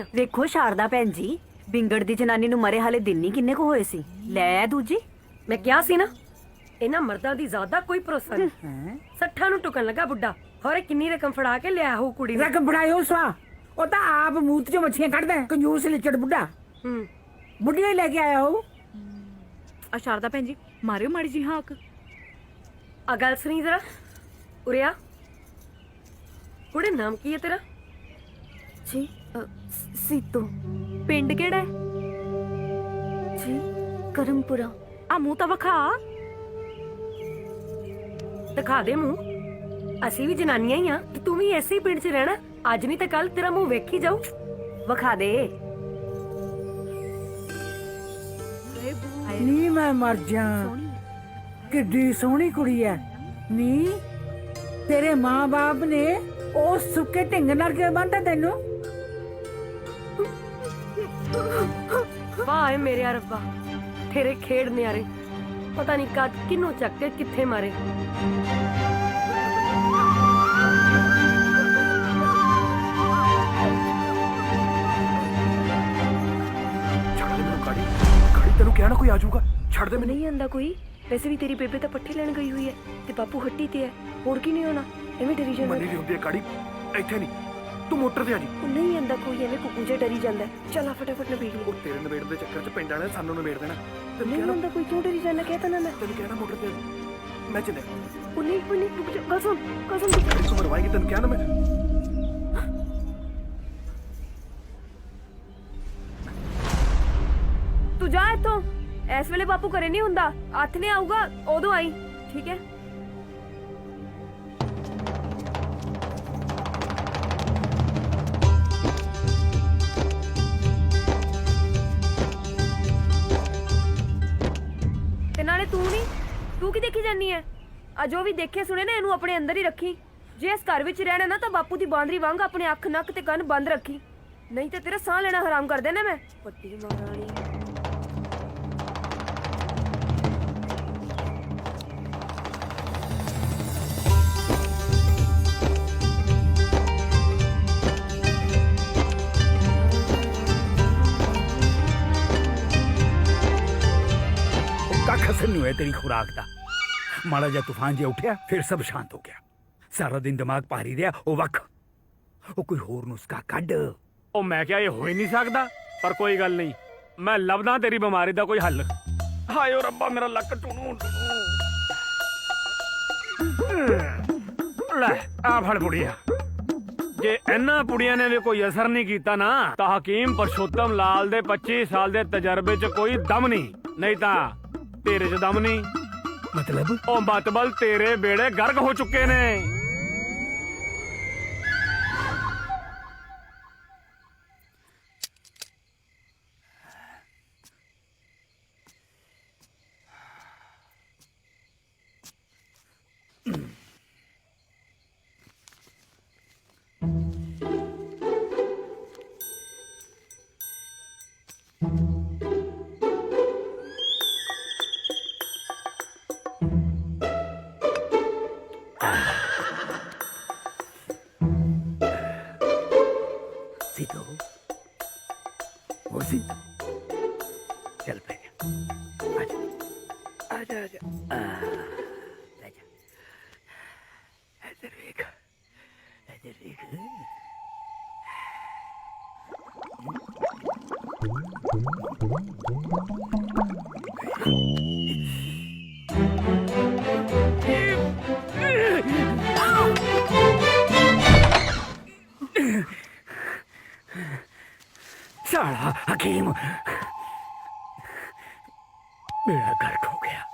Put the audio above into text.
ਆ। ਵੇਖੋ ਸ਼ਾਰਦਾ ਭੈਣ ਜੀ, ਬਿੰਗੜ ਦੀ ਜਨਾਨੀ ਨੂੰ ਮਰੇ ਹਾਲੇ ਦਿਨ ਨਹੀਂ ਕਿੰਨੇ ਕੁ ਹੋਏ ਸੀ। ਲੈ ਦੂਜੀ, ਮੈਂ ਕਿਹਾ ਸੀ ਨਾ ਇਹਨਾਂ ਮਰਦਾਂ ਦੀ ਜ਼ਿਆਦਾ ਕੋਈ ਭਰੋਸਾ ਨਹੀਂ। 60 ਨੂੰ ਟੁਕਣ ਲੱਗਾ ਬੁੱਢਾ, ਹੋਰੇ ਕਿੰਨੀ ਰਕਮ ਫੜਾ ਕੇ ਲਿਆ ਹੋ ਕੁੜੀ ਨੂੰ। ਰਕਮ ਫੜਾਇਓ ਸਵਾ, ਉਹ ਤਾਂ ਆਪ ਮੂਤ ਚੋਂ ਮੱਛੀਆਂ ਕੱਢਦਾ ਹੈ, ਕੰਜੂਸ ਲਿਚੜ ਬੁੱਢਾ। ਬੁੱਢੀਆਂ ਹੀ ਲੈ ਕੇ ਆਇਆ ਹੋ। ਆ ਸ਼ਾਰਦਾ ਭੈਣ ਜੀ ਮਾਰਿਓ ਮਾੜੀ ਜੀ ਹਾਕ। ਆ ਗੱਲ ਸੁਣੀ ਜਰਾ ਉਰਿਆ। ਕੁੜੇ ਨਾਮ ਕੀ ਹੈ ਤੇਰਾ? ਜੀ ਸੀਤੋ। ਪਿੰਡ ਕਿਹੜਾ ਹੈ ਜੀ? ਕਰਮਪੁਰਾ। ਆ ਮੂੰਹ ਤਾਂ ਵਿਖਾ। ਦਿਖਾ ਦੇ ਮੂੰਹ। ਅਸੀਂ ਵੀ ਜਨਾਨੀਆਂ ਹੀ ਆ ਤੇ ਤੂੰ ਵੀ ਐਸੇ ਹੀ ਪਿੰਡ 'ਚ ਰਹਿਣਾ। ਅੱਜ ਨਹੀਂ ਤਾਂ ਕੱਲ ਤੇਰਾ ਮੂੰਹ ਵੇਖੀ ਜਾਊ। ਵਿਖਾ ਦੇ। ਨੀ ਮੈਂ ਮਰ ਜਾ, ਕਿੱਡੀ ਸੋਹਣੀ ਕੁੜੀ ਐ ਨੀ। ਤੇਰੇ ਮਾਂ-ਬਾਪ ਨੇ ਉਹ ਸੁੱਕੇ ਢਿੰਗ ਨਾਲ ਕਿਉਂ ਬੰਨ੍ਹਤਾ ਤੈਨੂੰ? ਵਾਹ ਏ ਮੇਰੇ ਰੱਬਾ, ਤੇਰੇ ਖੇਡ ਨਿਆਰੇ। ਪਤਾ ਨਹੀਂ ਕਦ ਕਿਨੂੰ ਚੱਕ ਕੇ ਕਿੱਥੇ ਮਾਰੇ। ਤੈਨੂੰ ਕਿਹਾ ਨਾ ਕੋਈ ਆ ਜਾਊਗਾ, ਛੱਡ ਦੇ ਮੈਨੂੰ। ਨਹੀਂ ਆਂਦਾ ਕੋਈ। ਵੈਸੇ ਵੀ ਤੇਰੀ ਬੇਬੇ ਤਾਂ ਪੱਠੇ ਲੈਣ ਗਈ ਹੋਈ ਹੈ ਤੇ ਬਾਪੂ ਹੱਟੀ ਤੇ ਹੈ, ਹੋਰ ਕੀ ਨਹੀਂ ਹੋਣਾ। ਐਵੇਂ ਡਰੀ ਜਾਂਦਾ। ਮੰਨੀ ਦੀ ਹੁੰਦੀ ਹੈ ਕਾੜੀ, ਇੱਥੇ ਨਹੀਂ, ਤੂੰ ਮੋਟਰ ਤੇ ਆ ਜੀ। ਉਹ ਨਹੀਂ ਆਂਦਾ ਕੋਈ, ਐਵੇਂ ਕੁੱਕੂ ਜਿਹਾ ਡਰੀ ਜਾਂਦਾ। ਚੱਲ ਆ ਫਟਾਫਟ ਨਵੇੜ ਲਈ। ਉਹ ਤੇਰੇ ਨਵੇੜ ਦੇ ਚੱਕਰ 'ਚ ਪਿੰਡ ਵਾਲਿਆਂ ਨੇ ਸਾਨੂੰ ਨਵੇੜ ਦੇਣਾ। ਤੈਨੂੰ ਨਹੀਂ ਕਿਹਾ ਆਂਦਾ ਕੋਈ, ਕਿਉਂ ਡਰੀ ਜਾਂਦਾ? ਕਹਿ ਤਾ ਨਾ ਮੈਂ। ਤੈਨੂੰ ਕਿਹਾ ਨਾ ਮੋਟਰ ਤੇ ਆ ਜੀ। ਮੈਂ ਚੱਲਿਆ। ਉਹ ਨਹੀਂ ਰੁਕ ਜਾ, ਗੱਲ ਸੁਣ। ਤੂੰ ਮਰਵਾਏਗੀ, ਤੈਨੂੰ ਕਿਹਾ ਨਾ ਮੈਂ। ਤੂੰ ਜਾ ਇੱਥੋਂ। ਇਸ ਵੇਲੇ ਬਾਪੂ ਘਰੇ ਨਹੀਂ ਹੁੰਦਾ। ਹੱਥ ਨੇ ਆਊਗਾ ਉਦੋਂ ਆਈ, ਠੀਕ ਹੈ? ਤੇ ਨਾਲੇ ਤੂੰ ਕੀ ਦੇਖੀ ਜਾਨੀ ਹੈ? ਆ ਜੋ ਵੀ ਦੇਖੇ ਸੁਣੇ ਨਾ, ਇਹਨੂੰ ਆਪਣੇ ਅੰਦਰ ਹੀ ਰੱਖੀ। ਜੇ ਇਸ ਘਰ ਵਿੱਚ ਰਹਿਣਾ ਨਾ ਤਾਂ ਬਾਪੂ ਦੀ ਬਾਂਦਰੀ ਵਾਂਗ ਆਪਣੇ ਅੱਖ, ਨੱਕ ਤੇ ਕੰਨ ਬੰਦ ਰੱਖੀ, ਨਹੀਂ ਤੇ ਤੇਰਾ ਸਾਹ ਲੈਣਾ ਹਰਾਮ ਕਰ ਦੇਣਾ ਮੈਂ। ਪੱਟੀ ਮਹਾਰਾਣੀ। ਕੱਖ ਅਸਰ ਨਹੀਂ ਹੋਇਆ ਤੇਰੀ ਖੁਰਾਕ ਦਾ। ਮਾੜਾ ਜਿਹਾ ਤੂਫਾਨ ਜਿਹਾ ਉੱਠਿਆ, ਫਿਰ ਸਭ ਸ਼ਾਂਤ ਹੋ ਗਿਆ। ਸਾਰਾ ਦਿਨ ਦਿਮਾਗ ਭਾਰੀ ਰਿਹਾ। ਉਹ ਵੱਖ, ਉਹ ਕੋਈ ਹੋਰ ਨੁਸਖਾ ਕੱਢ। ਉਹ ਮੈਂ ਕਿਹਾ ਇਹ ਹੋ ਹੀ ਨਹੀਂ ਸਕਦਾ, ਪਰ ਕੋਈ ਗੱਲ ਨਹੀਂ, ਮੈਂ ਲੱਭਦਾ ਤੇਰੀ ਬਿਮਾਰੀ ਦਾ ਕੋਈ ਹੱਲ। ਹਾਏ ਓ ਰੱਬਾ, ਮੇਰਾ ਲੱਕ ਟੁਣੂ। ਲੈ ਆ ਫੜ ਪੁੜੀਆ। ਜੇ ਇਹਨਾਂ ਪੁੜੀਆਂ ਨੇ ਵੀ ਕੋਈ ਅਸਰ ਨਹੀਂ ਕੀਤਾ ਨਾ, ਤਾਂ ਹਕੀਮ ਪਰਸ਼ੋਤਮ ਲਾਲ ਦੇ 25 ਸਾਲ ਦੇ ਤਜਰਬੇ 'ਚ ਕੋਈ ਦਮ ਨਹੀਂ ਤਾਂ ਤੇਰੇ 'ਚ ਦਮ ਨਹੀਂ। ਮਤਲਬ ਉਹ ਮਤਬਲ ਤੇਰੇ ਬੇੜੇ ਗਰਕ ਹੋ ਚੁੱਕੇ ਨੇ। सीतो, वो सी, चल पे आजा, आजा आजा, आजा, इधर देख, इधर देख। साला हकीम, मेरा गर्क हो गया।